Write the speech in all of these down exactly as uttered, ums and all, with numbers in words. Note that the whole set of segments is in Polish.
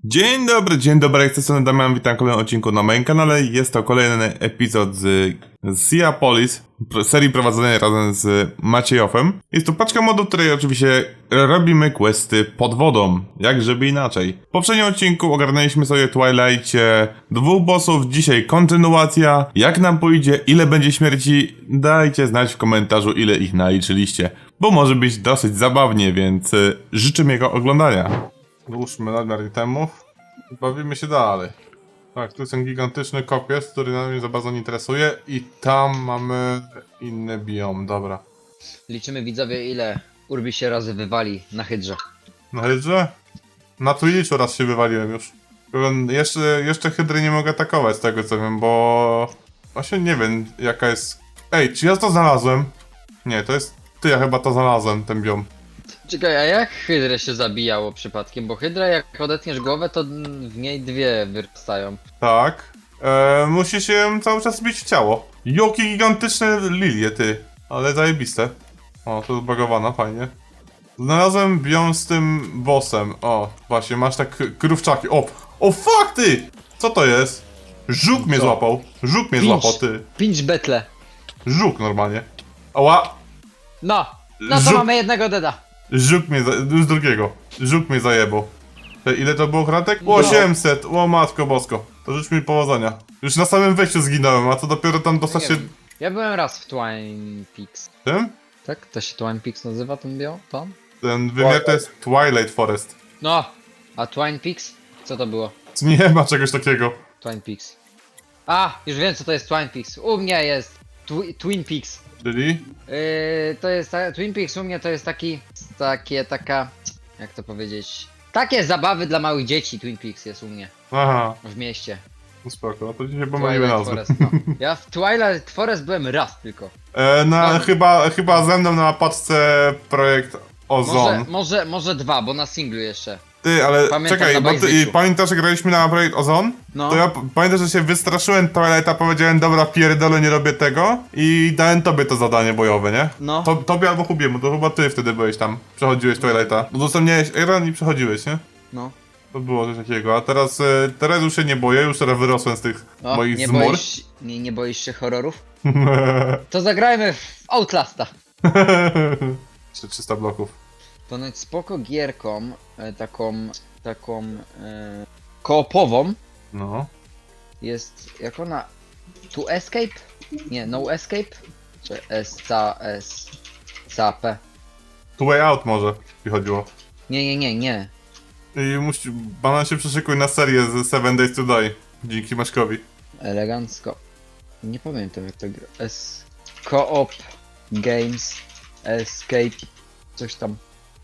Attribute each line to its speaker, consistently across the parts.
Speaker 1: Dzień dobry, dzień dobry, jak jestem Damian, witam w kolejnym odcinku na moim kanale. Jest to kolejny epizod z, z Seapolis, serii prowadzonej razem z Maciejowem. Jest to paczka modu, w której oczywiście robimy questy pod wodą, jak żeby inaczej. W poprzednim odcinku ogarnęliśmy sobie w Twilightie dwóch bossów, dzisiaj kontynuacja. Jak nam pójdzie, ile będzie śmierci, dajcie znać w komentarzu, ile ich naliczyliście, bo może być dosyć zabawnie, więc y, życzę miłego oglądania. Dłużmy nadmiar itemów. Bawimy się dalej. Tak, tu jest ten gigantyczny kopiec, który nas mnie za bardzo nie interesuje. I tam mamy inny biom, dobra.
Speaker 2: Liczymy widzowie, ile Urbi się razy wywali na hydrze.
Speaker 1: Na hydrze? Na Twitchu raz się wywaliłem już. Jeszcze, jeszcze hydry nie mogę atakować z tego co wiem, bo... Właśnie nie wiem jaka jest... Ej, czy ja to znalazłem? Nie, to jest... Ty, ja chyba to znalazłem, ten biom.
Speaker 2: Czekaj, a jak hydrę się zabijało przypadkiem? Bo hydra jak odetniesz głowę, to w niej dwie wyrastają.
Speaker 1: Tak. Eee, musi się cały czas bić w ciało. Joki gigantyczne lilie, ty. Ale zajebiste. O, to zbagowana, fajnie. Znalazłem biom z tym bossem. O, właśnie, masz tak krówczaki. O, o fuck ty! Co to jest? Żuk mnie
Speaker 2: Co?
Speaker 1: złapał. Żuk mnie
Speaker 2: Pinch.
Speaker 1: złapał, ty.
Speaker 2: Pinch betle.
Speaker 1: Żuk normalnie. Ała!
Speaker 2: No! No to
Speaker 1: Żuk-
Speaker 2: mamy jednego deda.
Speaker 1: Żuk mnie, za... już drugiego. Żuk mnie zajebał. Te, ile to było kratek?
Speaker 2: No.
Speaker 1: osiemset! O matko bosko. To życz mi powodzenia. Już na samym wejściu zginąłem, a co dopiero tam dostać
Speaker 2: Nie
Speaker 1: się...
Speaker 2: wiem. Ja byłem raz w Twine Peaks.
Speaker 1: Tym?
Speaker 2: Tak? To się Twine Peaks nazywa, ten bio? To?
Speaker 1: Ten wymiar to jest Twilight Forest.
Speaker 2: No! A Twine Peaks? Co to było?
Speaker 1: Nie ma czegoś takiego.
Speaker 2: Twine Peaks. A! Już wiem co to jest Twine Peaks. U mnie jest twi Twin Peaks.
Speaker 1: Czyli?
Speaker 2: Yy, to jest ta, Twin Peaks u mnie to jest taki, takie, taka, jak to powiedzieć, takie zabawy dla małych dzieci. Twin Peaks jest u mnie,
Speaker 1: Aha,
Speaker 2: w mieście.
Speaker 1: no spoko, no to dzisiaj pomyliły
Speaker 2: Twilight
Speaker 1: nazwy.
Speaker 2: Forest, no. Ja w Twilight Forest byłem raz tylko.
Speaker 1: E, na,
Speaker 2: No.
Speaker 1: chyba, chyba ze mną na paczce projekt
Speaker 2: Może,
Speaker 1: Ozon.
Speaker 2: może, może dwa, bo na singlu jeszcze.
Speaker 1: Ty, ale
Speaker 2: Pamiętam
Speaker 1: czekaj,
Speaker 2: na
Speaker 1: bo ty,
Speaker 2: Bajzyciu.
Speaker 1: pamiętasz, że graliśmy na projekt Ozon?
Speaker 2: No.
Speaker 1: To ja p- pamiętam, że się wystraszyłem Twilighta, powiedziałem, dobra, pierdolę, nie robię tego i dałem tobie to zadanie bojowe, nie?
Speaker 2: No.
Speaker 1: To, tobie albo Hubiemu, to chyba ty wtedy byłeś tam, przechodziłeś Twilighta. Udostępniałeś Iron i przechodziłeś, nie?
Speaker 2: No.
Speaker 1: To było coś takiego, a teraz, e, teraz już się nie boję, już teraz wyrosłem z tych
Speaker 2: O,
Speaker 1: moich
Speaker 2: nie,
Speaker 1: zmor.
Speaker 2: boisz, nie, nie boisz się horrorów? To zagrajmy w Outlasta.
Speaker 1: Jeszcze trzysta bloków.
Speaker 2: Ponoć spoko gierką, e, taką, taką, e, koopową.
Speaker 1: No.
Speaker 2: Jest, jak ona, to escape? Nie, no escape? Czy S, C, S, C, P?
Speaker 1: Two way out może, jeśli chodziło.
Speaker 2: Nie, nie, nie, nie.
Speaker 1: I musi, banan się przyszykuj na serię z Seven Days to Die. Dzięki Maćkowi.
Speaker 2: Elegancko. Nie pamiętam jak to gra. S, co-op, games, escape, coś tam.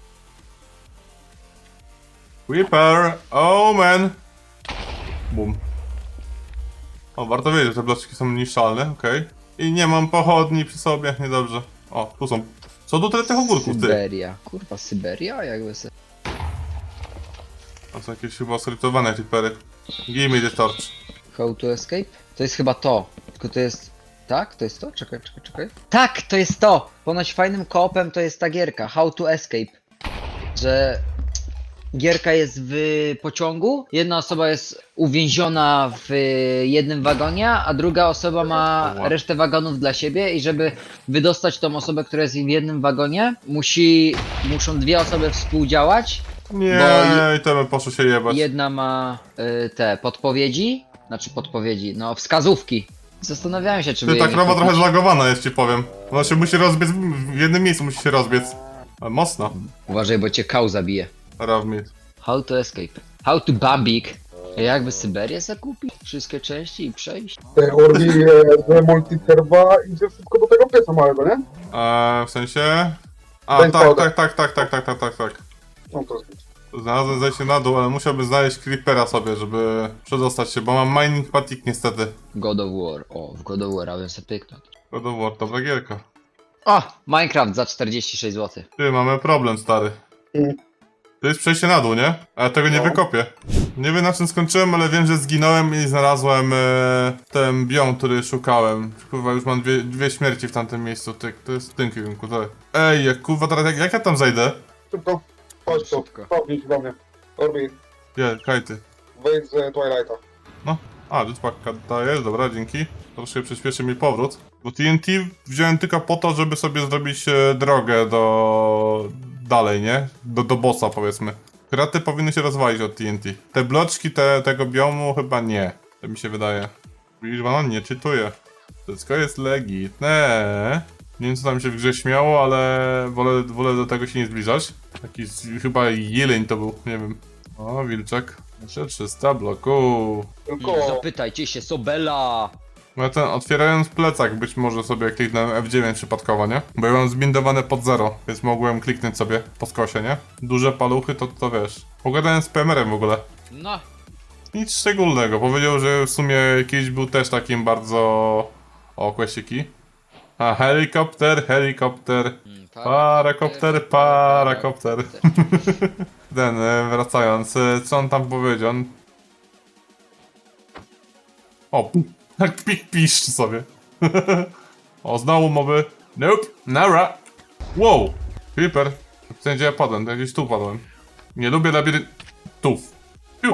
Speaker 1: Whipper, oh man. Bum. O, warto wiedzieć, że te bloczki są niszczalne, okej. I nie mam pochodni przy sobie, niedobrze. O, tu są. Co tu tyle tych ogórków, ty?
Speaker 2: Syberia. Kurwa, Syberia? Jakby se...
Speaker 1: To są jakieś chyba skryptowane typery. Give me the torch.
Speaker 2: How to escape? To jest chyba to. Tylko to jest... Tak? To jest to? Czekaj, czekaj, czekaj. Tak, to jest to! Ponoć fajnym koopem to jest ta gierka. How to escape. Że... Gierka jest w pociągu, jedna osoba jest uwięziona w jednym wagonie, a druga osoba ma
Speaker 1: Ała.
Speaker 2: resztę wagonów dla siebie i żeby wydostać tą osobę, która jest w jednym wagonie, musi, muszą dwie osoby współdziałać.
Speaker 1: Nie,
Speaker 2: Bo
Speaker 1: i to bym poszło się jebać.
Speaker 2: Jedna ma y, te podpowiedzi, znaczy podpowiedzi, no wskazówki. Zastanawiałem się, czy by
Speaker 1: Ty, ta
Speaker 2: je nie
Speaker 1: krowa
Speaker 2: kupić.
Speaker 1: trochę zlagowana jest, ci powiem. Ona się musi rozbiec, w jednym miejscu musi się rozbiec. Ale mocno.
Speaker 2: Uważaj, bo cię kał zabije.
Speaker 1: Rawmit.
Speaker 2: How to escape. How to Bambik. Jakby Syberię zakupić? Wszystkie części i przejść?
Speaker 3: Te Orbi z multiserwa idzie wszystko do tego pieca małego, nie?
Speaker 1: Eee, w sensie... A,
Speaker 3: Bank
Speaker 1: tak,
Speaker 3: powder.
Speaker 1: tak, tak, tak, tak, tak, tak, tak, tak.
Speaker 3: No to jest.
Speaker 1: Znalazłem zejście na dół, ale musiałbym znaleźć creepera sobie, żeby przedostać się, bo mam mining fatigue niestety.
Speaker 2: God of War. O, w God of War, a bym sobie pyknąć.
Speaker 1: God of War, dobra gierka.
Speaker 2: O! Minecraft za czterdzieści sześć złotych.
Speaker 1: Ty, mamy problem, stary.
Speaker 3: Mm.
Speaker 1: To jest przejście na dół, nie? A ja tego nie
Speaker 3: No.
Speaker 1: wykopię. Nie wiem na czym skończyłem, ale wiem, że zginąłem i znalazłem e, ten biom, który szukałem. Kurwa, już mam dwie, dwie śmierci w tamtym miejscu, ty, to jest w tym kierunku, to. Ej, jak kurwa, teraz jak, jak ja tam zejdę?
Speaker 3: Szybko. Chodź tu.
Speaker 2: Szybko.
Speaker 3: Cofnij się do mnie. Orbi.
Speaker 1: Gdzie, kajty.
Speaker 3: wejdź z Twilighta.
Speaker 1: No, a, jetpacka dajesz, dobra, dzięki. Troszkę przyspieszy mi powrót. Bo T N T wziąłem tylko po to, żeby sobie zrobić e, drogę do... dalej, nie? Do, do bossa, powiedzmy. Kraty powinny się rozwalić od T N T. Te bloczki te, tego biomu chyba nie. To mi się wydaje. Widzisz, on nie czytuje. Wszystko jest legitne. Nie wiem, co tam się w grze śmiało, ale wolę, wolę do tego się nie zbliżać. Taki z- chyba jeleń to był, nie wiem. O, wilczek. Jeszcze trzysta bloków.
Speaker 3: Tylko...
Speaker 2: Zapytajcie się Sobela!
Speaker 1: No ja ten, otwierając plecak, być może sobie kliknąłem F dziewięć przypadkowo, nie? Bo ja mam zbindowane pod zero, więc mogłem kliknąć sobie po skosie, nie? Duże paluchy, to, to wiesz. Pogadałem z P M R-em w ogóle.
Speaker 2: No.
Speaker 1: Nic szczególnego. Powiedział, że w sumie kiedyś był też takim bardzo... O, kwesiki. A, helikopter, helikopter.
Speaker 2: Mm,
Speaker 1: Parakopter, parakopter. Ten, e, wracając, e, co on tam powiedział? On... O, tak pik piszczy sobie. O, znowu mowy. Nope, nara. Wow, creeper. W sensie ja padłem, to gdzieś tu padłem. Nie lubię labiryntów. Piu.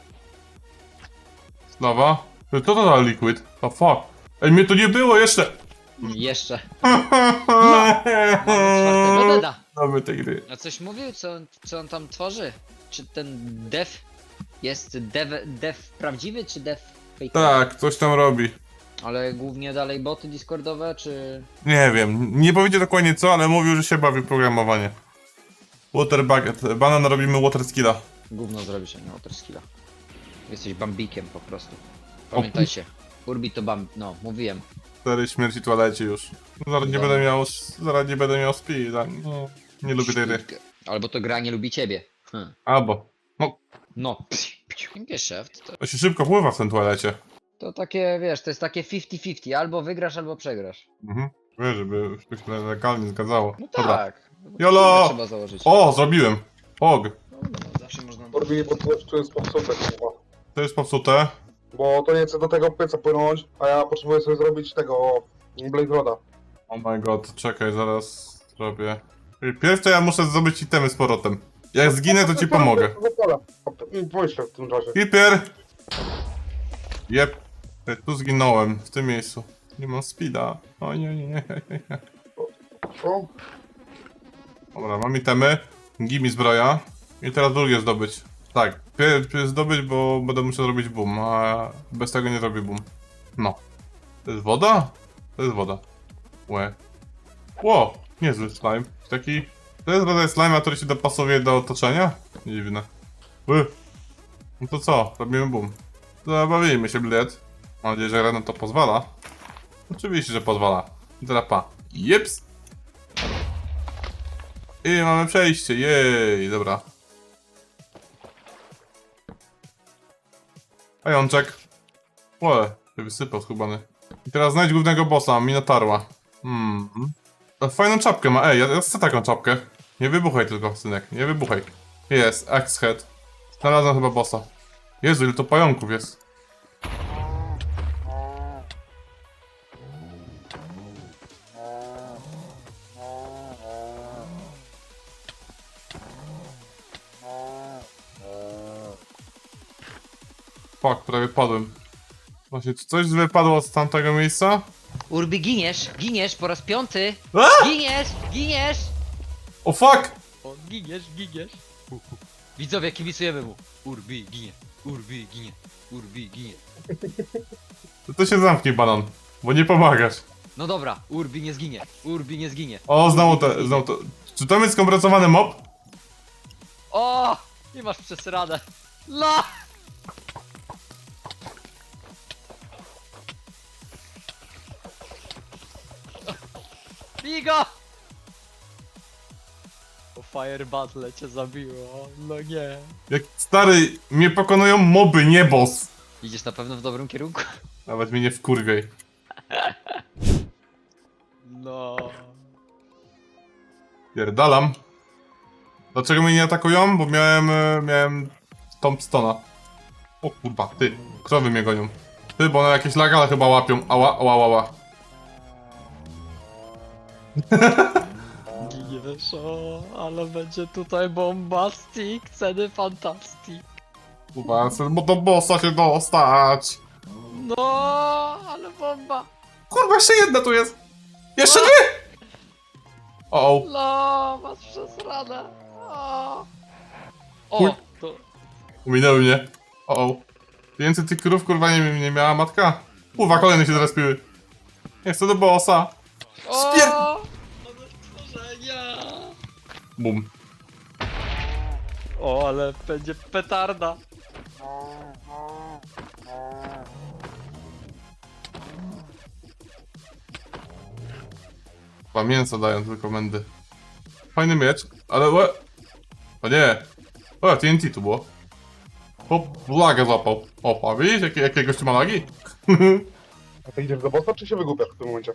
Speaker 1: Slawa. Co to za liquid? The fuck? Ej, mnie tu nie było jeszcze!
Speaker 2: Jeszcze. Mamy czwartego deda.
Speaker 1: Mamy tej gry.
Speaker 2: A coś mówił, co, co on tam tworzy? Czy ten dev jest dev, dev prawdziwy, czy dev fake?
Speaker 1: Tak, coś tam robi.
Speaker 2: Ale głównie dalej boty discordowe, czy...
Speaker 1: Nie wiem, nie powiedział dokładnie co, ale mówił, że się bawi w programowanie. Water bucket. Banan robimy water skilla.
Speaker 2: Gówno zrobisz, a nie water skilla. Jesteś bambikiem po prostu. Pamiętajcie. Urbi to bamb... no, mówiłem.
Speaker 1: Cztery śmierci w toalecie już. Zaraz nie będę miał, zaraz nie będę miał speeda. No, nie lubię tej gry.
Speaker 2: Albo to gra nie lubi ciebie. Hm.
Speaker 1: Albo. No,
Speaker 2: No. Geschäft to,
Speaker 1: to się szybko pływa w tym toalecie.
Speaker 2: to takie, wiesz, to jest takie pięćdziesiąt pięćdziesiąt. Albo wygrasz, albo przegrasz.
Speaker 1: Mhm. Wiesz, żeby się to legalnie zgadzało.
Speaker 2: No
Speaker 1: Dobra.
Speaker 2: tak.
Speaker 1: Jolo!
Speaker 2: Trzeba założyć.
Speaker 1: O, zrobiłem. Og.
Speaker 2: No, zawsze można...
Speaker 3: Orbi, bo to, to jest popsute, kurwa.
Speaker 1: To jest popsute.
Speaker 3: Bo to nie chce do tego pieca płynąć, a ja potrzebuję sobie zrobić tego... Blade Roda.
Speaker 1: Oh my god, czekaj, zaraz zrobię. Pierw to ja muszę zdobyć itemy z powrotem. Jak zginę, to ci pomogę.
Speaker 3: Poślę w tym czasie.
Speaker 1: Hiper! Jep. Ej, tu zginąłem, w tym miejscu. Nie mam speeda. O nie, nie, nie.
Speaker 3: O,
Speaker 1: Dobra, mam itemy. Gimi zbroja. I teraz drugie zdobyć. Tak, pierw zdobyć, bo będę musiał zrobić boom, a bez tego nie zrobię boom. No. To jest woda? To jest woda. Łe. Ło, niezły slime. Taki... To jest rodzaj slime, który się dopasowuje do otoczenia? Dziwne. Ły. No to co? Robimy boom. Zabawimy się, bled. Mam nadzieję, że gra na to pozwala. Oczywiście, że pozwala. I teraz pa. Jeps. I mamy przejście, jej, dobra. Pajączek. Łe, się wysypał skubany. I teraz znajdź głównego bossa, Minotarła. Hmm. A fajną czapkę ma, ej, ja, ja chcę taką czapkę. Nie wybuchaj tylko, synek, nie wybuchaj. Jest, Axe Head. Znalazłem chyba bossa. Jezu, ile to pająków jest. Fuck, prawie padłem. Właśnie, czy coś wypadło z tamtego miejsca?
Speaker 2: Urbi, giniesz, giniesz po raz piąty.
Speaker 1: A!
Speaker 2: Giniesz, giniesz.
Speaker 1: O fuck!
Speaker 2: O, giniesz, giniesz. Widzowie, kibicujemy mu. Urbi, ginie, Urbi, ginie, Urbi, ginie.
Speaker 1: To, to się zamknie, banan, bo nie pomagasz.
Speaker 2: No dobra, Urbi nie zginie, Urbi nie zginie.
Speaker 1: O, znowu to, znowu to. Czy to jest skompresowany mob?
Speaker 2: O, nie masz przesradę. No! Bigo! O Fire Battle cię zabiło, no nie.
Speaker 1: Jak stary, mnie pokonują moby, nie boss.
Speaker 2: Idziesz na pewno w dobrym kierunku?
Speaker 1: Nawet mnie nie wkurwiej.
Speaker 2: No.
Speaker 1: Pierdalam. Dlaczego mnie nie atakują? Bo miałem, e, miałem Tombstona. O kurwa, ty, krowy mnie gonią. Ty, bo one jakieś lagale chyba łapią. Ała, ała, ała.
Speaker 2: Giniesz, o, ale będzie tutaj bombastic, ceny fantastic.
Speaker 1: Kurwa, chcę bo do bossa się dostać.
Speaker 2: No, ale bomba.
Speaker 1: Kurwa, jeszcze jedna tu jest. Jeszcze dwie! O,
Speaker 2: No, masz przesrane. O,
Speaker 1: Chuj.
Speaker 2: o to...
Speaker 1: Uminęły mnie. O, o. Więcej tych krów kurwa nie, nie miała matka. Kurwa, kolejne się zrespiły. Nie chcę do bossa. Spier...
Speaker 2: O, ale stworzenia.
Speaker 1: Bum.
Speaker 2: O, ale będzie petarda.
Speaker 1: Chyba mięso dają tylko komendy. Fajny miecz, ale łe... O nie. O, T N T tu było. O, lagę złapał. O, a widzisz jakie, jakie gościu ma lagi?
Speaker 3: A ty idziesz do bossa, czy się wygłupiasz w tym momencie?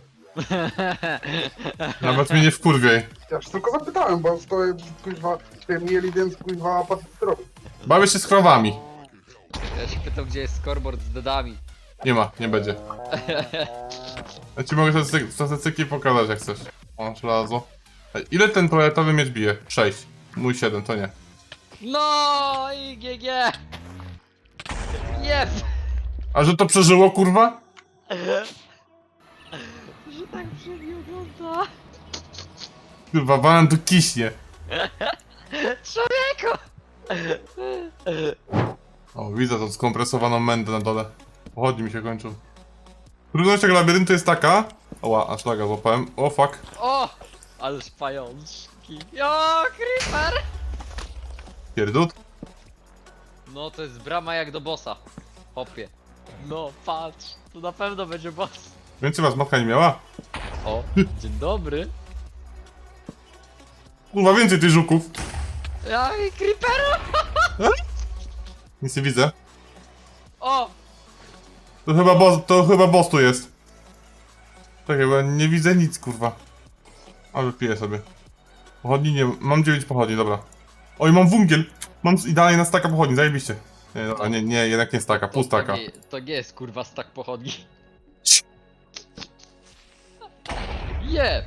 Speaker 1: Nawet mnie nie wkurwiej.
Speaker 3: Ja się tylko zapytałem, bo stoję, kuźwa, się mieli, więc kuźwa, patrzę co ty robisz.
Speaker 1: Bawię się z krowami.
Speaker 2: Ja się pytam, gdzie jest scoreboard z dedami.
Speaker 1: Nie ma, nie będzie. Ja ci mogę statystyki, statystyki pokazać jak chcesz. O, żelazo. Ej, ile ten toaletowy miecz bije? sześć. Mój siedem, to nie.
Speaker 2: No i G G. Jeb.
Speaker 1: A że to przeżyło, kurwa?
Speaker 2: Że tak brzmi wygląda.
Speaker 1: Kurwa, banan tu kiśnie.
Speaker 2: Człowieku.
Speaker 1: O, widzę tą skompresowaną mędę na dole. Pochodni mi się kończą. Trudność tego labiryntu jest taka... Oła, aż laga złapałem. O, fuck.
Speaker 2: O, ależ pajączki. O, creeper.
Speaker 1: Pierdut.
Speaker 2: No to jest brama jak do bossa. Hopie. No patrz, to na pewno będzie boss.
Speaker 1: Więcej was matka nie miała?
Speaker 2: O, dzień dobry.
Speaker 1: Kurwa, więcej tych żuków.
Speaker 2: Ja i creeperu.
Speaker 1: Nic nie widzę.
Speaker 2: O,
Speaker 1: To chyba boss, to chyba boss tu jest. Czekaj, bo ja nie widzę nic, kurwa. A wypiję sobie. Pochodni nie... Mam dziewięć pochodni, dobra. Oj, mam wungiel! Mam idealnie na staka pochodni, zajebiście. Nie, dobra, nie, nie, jednak nie staka, pół
Speaker 2: to,
Speaker 1: staka.
Speaker 2: to, nie, to nie jest kurwa stak pochodni. Jeb.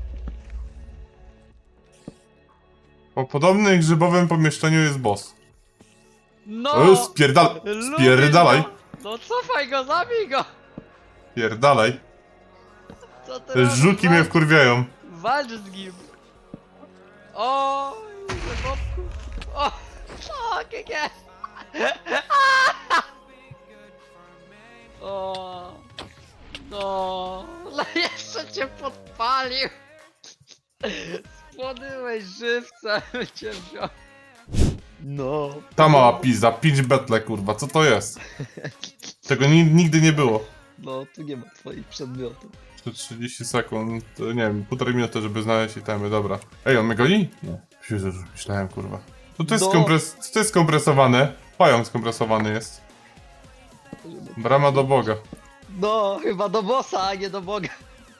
Speaker 1: Po podobnym grzybowym pomieszczeniu jest boss.
Speaker 2: No.
Speaker 1: O, spierdal...
Speaker 2: lubię
Speaker 1: Spierdalaj!
Speaker 2: go. No cofaj go, zabij go.
Speaker 1: Spierdalaj.
Speaker 2: Co ty
Speaker 1: Te
Speaker 2: robisz?
Speaker 1: żuki mnie
Speaker 2: Walcz-
Speaker 1: wkurwiają.
Speaker 2: Walcz z nim. O, zabobku. O, o, G G. O, no, no jeszcze cię podpalił. Spłonęłeś żywcem, cię wziął. No.
Speaker 1: Ta mała pizza, pitch battle, kurwa, co to jest? Tego ni nigdy nie było.
Speaker 2: No, tu nie ma twoich przedmiotów.
Speaker 1: Jeszcze trzydzieści sekund, to nie wiem, półtorej minuty, żeby znaleźć itemy, dobra. Ej, on mnie goni? Nie. Myślę, że myślałem, kurwa. To to jest
Speaker 2: No.
Speaker 1: skompres... To jest skompresowane. Pająk skompresowany jest. Brama do Boga.
Speaker 2: No, chyba do bossa, a nie do Boga.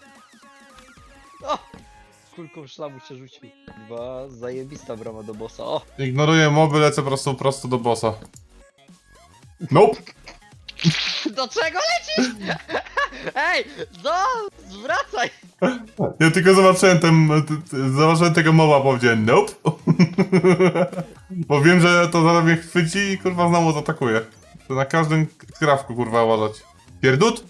Speaker 2: O! Kulką szlamu się rzucił. Chyba zajebista brama do bossa. O!
Speaker 1: Ignoruję moby, lecę prosto, prosto do bossa. Nope!
Speaker 2: Do czego lecisz? Ej! No! Zwracaj!
Speaker 1: Ja tylko zobaczyłem ten... t- t- Zobaczyłem tego moba, powiedziałem nope. Bo wiem, że to zaraz mnie chwyci i kurwa znowu zaatakuje. To na każdym krawku kurwa ładać. Pierdut?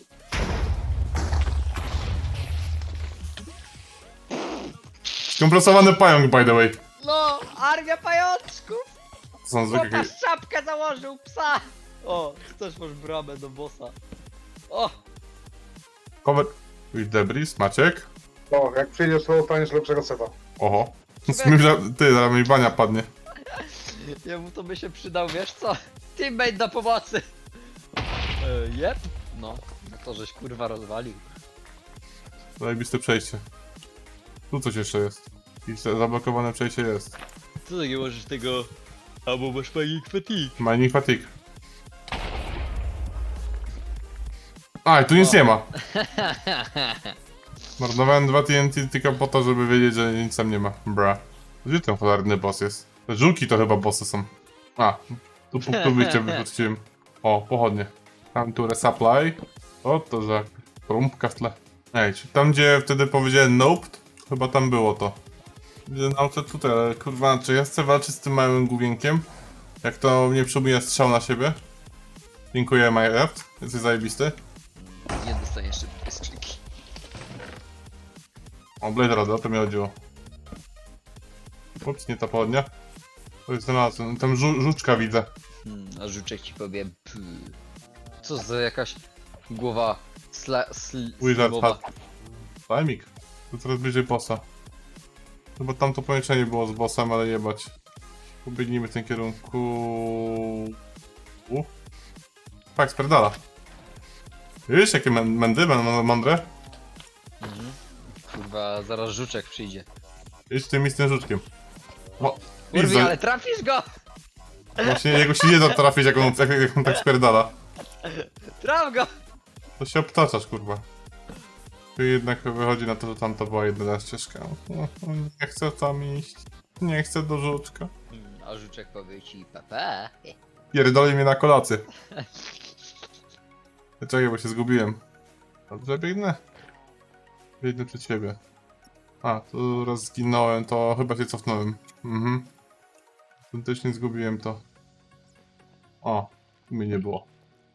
Speaker 1: Skompresowany pająk, by the way.
Speaker 2: No! Armia pajączków!
Speaker 1: To są zwykłe...
Speaker 2: Pokaż czapkę założył psa! O! Też masz bramę do bossa. O!
Speaker 1: Cover... With debris, Maciek.
Speaker 3: No, jak przyjdziesz, to dostaniesz lepszego seta.
Speaker 1: Oho. Smyża... Ty, zaraz mi bania padnie.
Speaker 2: Jemu to by się przydał, wiesz co? Teammate do pomocy! E, jep? No. No to żeś kurwa rozwalił.
Speaker 1: Zajebiste przejście. Tu coś jeszcze jest. Jakieś zablokowane przejście jest.
Speaker 2: Co ty nie możesz tego... Albo masz fajny fatigue.
Speaker 1: Mining fatigue. A, i tu nic nie ma. Marnowałem dwa T N T tylko po to, żeby wiedzieć, że nic tam nie ma. Bra. Gdzie ten cholerny boss jest? Te żółki to chyba bossy są. A, tu punktu wyjścia wypuściłem. O, pochodnie. Come to resupply. O, to za porumpka w tle. Ej, czy tam gdzie wtedy powiedziałem nope, to chyba tam było to. Widzę nauczę tutaj, ale kurwa, czy ja chcę walczyć z tym małym główienkiem? Jak to mnie przyjmuje strzał na siebie. Dziękuję, Minecraft. Jesteś zajebisty.
Speaker 2: Nie dostaniesz szybkie skrzynki.
Speaker 1: O, Blade Rod, o to mi chodziło. Ups, nie ta pochodnia. To jest znalazłem. Tam żu żuczka widzę.
Speaker 2: Hmm, a żuczek ci powie py. Co za jakaś głowa sla... sl...
Speaker 1: Wizard
Speaker 2: slibowa.
Speaker 1: Hat. Timing. To coraz bliżej bossa. Chyba tam to pomieszczenie było z bossem, ale jebać. Pobiegnijmy w tym kierunku. U. Tak, sperdala. Wiesz, jakie mę- mędy, mę- mądre?
Speaker 2: Mhm. Kurwa, zaraz żuczek przyjdzie.
Speaker 1: Idź tym i z tym żuczkiem. O, idź
Speaker 2: Kurwi,
Speaker 1: za...
Speaker 2: ale trafisz go!
Speaker 1: Właśnie jego się nie da trafić, jak on, jak, jak on tak spierdala.
Speaker 2: Traf go!
Speaker 1: To się obtaczasz, kurwa. Tu jednak wychodzi na to, że tam to była jedna ścieżka. Nie chcę tam iść. Nie chcę do żuczka.
Speaker 2: Hmm, a żuczek powie ci pepe.
Speaker 1: Pierdoli mnie na kolację. Czekaj, bo się zgubiłem. Dobrze biegnę? Biegnę przed siebie. A, tu raz zginąłem, to chyba się cofnąłem. Mhm. Autentycznie zgubiłem to. O, tu mnie nie było.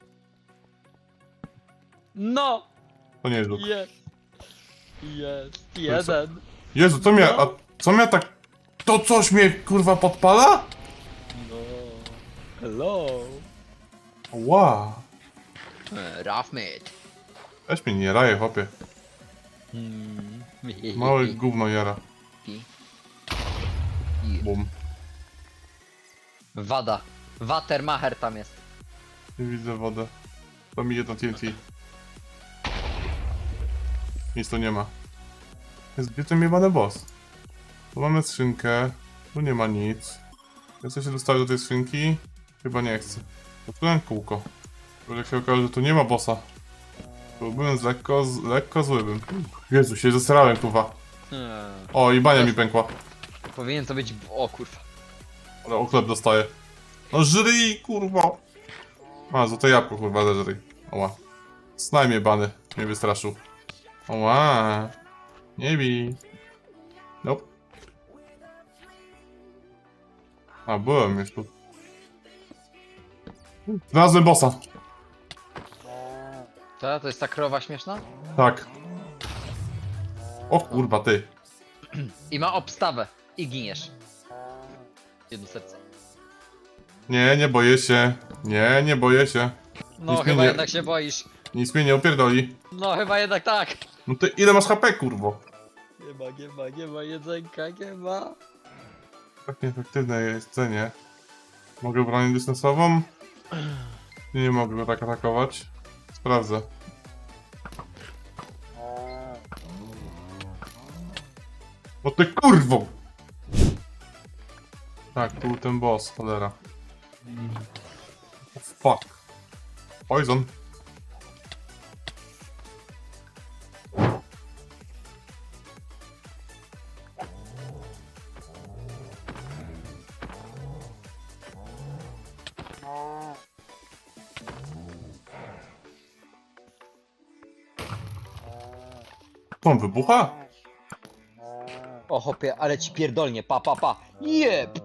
Speaker 2: No!
Speaker 1: To nie jest żuk.
Speaker 2: Jest! Jest! Jeden!
Speaker 1: Jezu, co mnie, a co mnie tak... To coś mnie, kurwa, podpala?
Speaker 2: No! Hello!
Speaker 1: Wow.
Speaker 2: Rough mate!
Speaker 1: Weź mnie nie raje, chłopie.
Speaker 2: Hmm.
Speaker 1: Małe gówno jara.
Speaker 2: I-
Speaker 1: Bum.
Speaker 2: Wada. Watermacher tam jest.
Speaker 1: Nie widzę wodę. To mi jedno T N T. Nic tu nie ma. Jest gdzie ten jebany boss? Tu mamy skrzynkę. Tu nie ma nic. Ja chcę się dostać do tej skrzynki? Chyba nie chcę. Otworzyłem kółko. Bo jak się okaże, że tu nie ma bossa. Byłbym z lekko, z, lekko zły bym. Jezu, się zesrałem, kurwa.
Speaker 2: Hmm.
Speaker 1: O, i bania mi pękła.
Speaker 2: Powinien to być... O kurwa.
Speaker 1: Ale oklep dostaję. No żryj, kurwa. A, złote jabłko, kurwa, zeżryj. Oła. Snaj mnie, bany. Mnie wystraszył. Oła. Nie bij. Nope. A, byłem już tu. Znalazłem bossa.
Speaker 2: To, to jest ta krowa śmieszna?
Speaker 1: Tak. O kurwa, ty.
Speaker 2: I ma obstawę. I giniesz. Jedno serce.
Speaker 1: Nie, nie boję się. Nie, nie boję się.
Speaker 2: No
Speaker 1: Nic mi
Speaker 2: chyba
Speaker 1: nie-
Speaker 2: jednak się boisz.
Speaker 1: Nic mnie nie opierdoli.
Speaker 2: No chyba jednak tak.
Speaker 1: No ty ile masz H P, kurwo?
Speaker 2: Nie ma, nie ma, nie ma jedzenka, nie ma.
Speaker 1: Tak nieefektywne jedzenie. Mogę bronić dystansową? Nie, nie mogę go tak atakować. Sprawdzę. O ty kurwo! Tak, tu był ten boss, cholera. Oh, fuck. Poison. To on wybucha?
Speaker 2: O hopie, ale ci pierdolnie, pa pa pa. Jeb!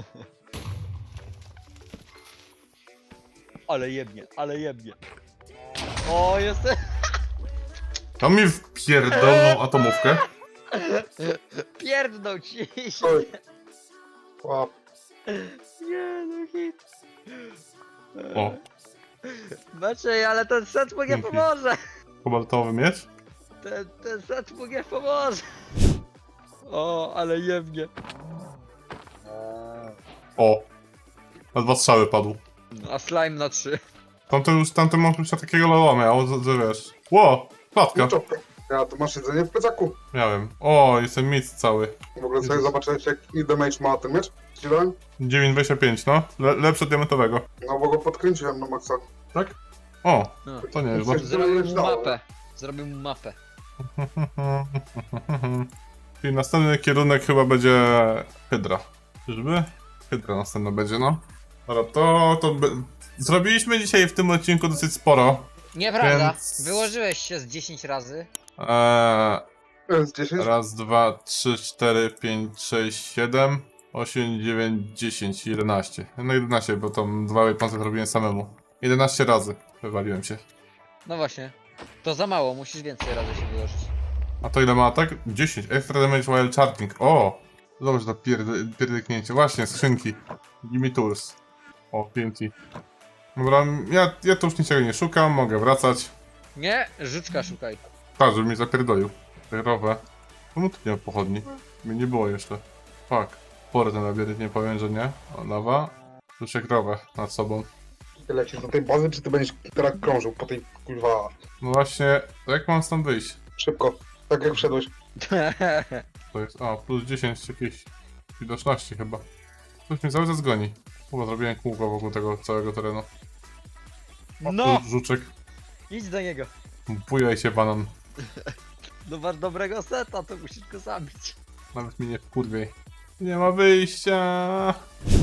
Speaker 2: Ale jebnie, ale jebnie. O, jestem...
Speaker 1: Tam mi wpierdolną atomówkę.
Speaker 2: Pierdnął ci się.
Speaker 3: Oj. Łap.
Speaker 2: Nie no hit.
Speaker 1: O,
Speaker 2: Maciej, ale ten set mu nie
Speaker 1: Dzięki.
Speaker 2: pomoże.
Speaker 1: kobaltowy miecz?
Speaker 2: Ten, ten set mu nie pomoże. O, ale jebnie.
Speaker 1: O. Na dwa strzały padł.
Speaker 2: A slime na trzy.
Speaker 1: Tamten już, tamten mam już takiego loła miał, że, że wiesz. Ło, klatka.
Speaker 3: Czopka. Ja, to masz jedzenie w plecaku.
Speaker 1: Miałem. O, jestem miecz cały.
Speaker 3: W ogóle sobie zobaczyłeś, jaki damage ma ten miecz? Ci dałem?
Speaker 1: dziewięć dwadzieścia pięć, no. Le, lepsze od diamentowego.
Speaker 3: No bo go podkręciłem na maksa.
Speaker 1: Tak? O,
Speaker 2: No.
Speaker 1: to nie jest
Speaker 3: Coś-
Speaker 1: złe.
Speaker 2: Zrobił mu mapę. Zrobił mu mapę.
Speaker 1: Czyli następny kierunek chyba będzie Hydra. Czyżby? Hydra następna będzie, no. Dobra, to, to by... Zrobiliśmy dzisiaj w tym odcinku dosyć sporo.
Speaker 2: Nieprawda.
Speaker 1: Więc-
Speaker 2: Wyłożyłeś się z dziesięć razy.
Speaker 1: Eee,
Speaker 3: To jest dziesięć.
Speaker 1: raz, dwa, trzy, cztery, pięć, sześć, siedem. osiem, dziewięć, dziesięć, jedenaście. No jedenaście, bo tam dwa weaponsy zrobiłem samemu. jedenaście razy wywaliłem się.
Speaker 2: No właśnie. To za mało, musisz więcej razy się wyłożyć.
Speaker 1: A to ile ma atak? dziesięć. Extra damage while charging. O! Zobacz to pierd- pierdyknięcie. Właśnie, skrzynki. Gimme tools. O, T N T. Dobra, ja, ja tu już niczego nie szukam, mogę wracać.
Speaker 2: Nie, życzka szukaj.
Speaker 1: Tak, żeby mi zapierdolił. Rowe. Czemu tu nie ma pochodni? Mnie nie było jeszcze. Fuck. Pory ten labirynt, nie powiem, że nie. O, lawa. Słyszę krowę nad sobą.
Speaker 3: Ty lecisz do tej bazy, czy ty będziesz teraz krążył po tej kurwa...
Speaker 1: No właśnie, to jak mam stąd wyjść?
Speaker 3: Szybko, tak jak wszedłeś.
Speaker 1: To jest, a, plus dziesięć jakiejś widoczności chyba. Ktoś mnie cały czas goni. Chyba zrobiłem kółko wokół tego całego terenu.
Speaker 2: No!
Speaker 1: Tu żuczek.
Speaker 2: Idź do niego.
Speaker 1: Bujaj się, banan.
Speaker 2: No masz dobrego seta, to musisz go zabić.
Speaker 1: Nawet mi nie wkurwiej. Nie ma wyjścia.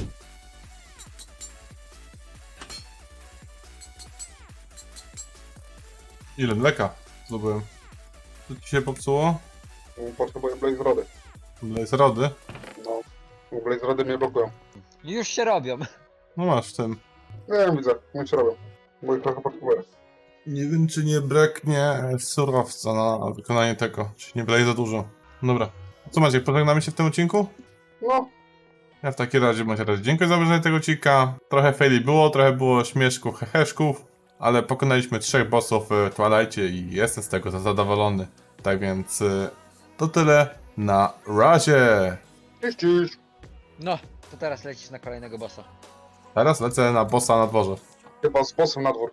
Speaker 1: Ile mleka zdobyłem? Co ci się popsuło?
Speaker 3: Potrzebuję Blaze Rody.
Speaker 1: Blaze rody?
Speaker 3: No. Blaze Rody mnie blokują.
Speaker 2: Już się robią.
Speaker 1: No masz w tym.
Speaker 3: Nie wiem, widzę, nie się robią. Bo ich trochę potrzebuję.
Speaker 1: Nie wiem, czy nie braknie surowca na wykonanie tego. Czy nie blaze za dużo. Dobra. Co Maciek, pożegnamy się w tym odcinku?
Speaker 3: No,
Speaker 1: Ja w takim razie bądź razie dziękuję za obejrzenie tego odcinka. Trochę faili było, trochę było śmieszków, heheszków, ale pokonaliśmy trzech bossów w Twilightie i jestem z tego zadowolony. Tak więc y, to tyle na razie.
Speaker 3: cześć, cześć.
Speaker 2: No, to teraz lecisz na kolejnego bossa.
Speaker 1: Teraz lecę na bossa na dworze.
Speaker 3: Chyba z bossem na dwór.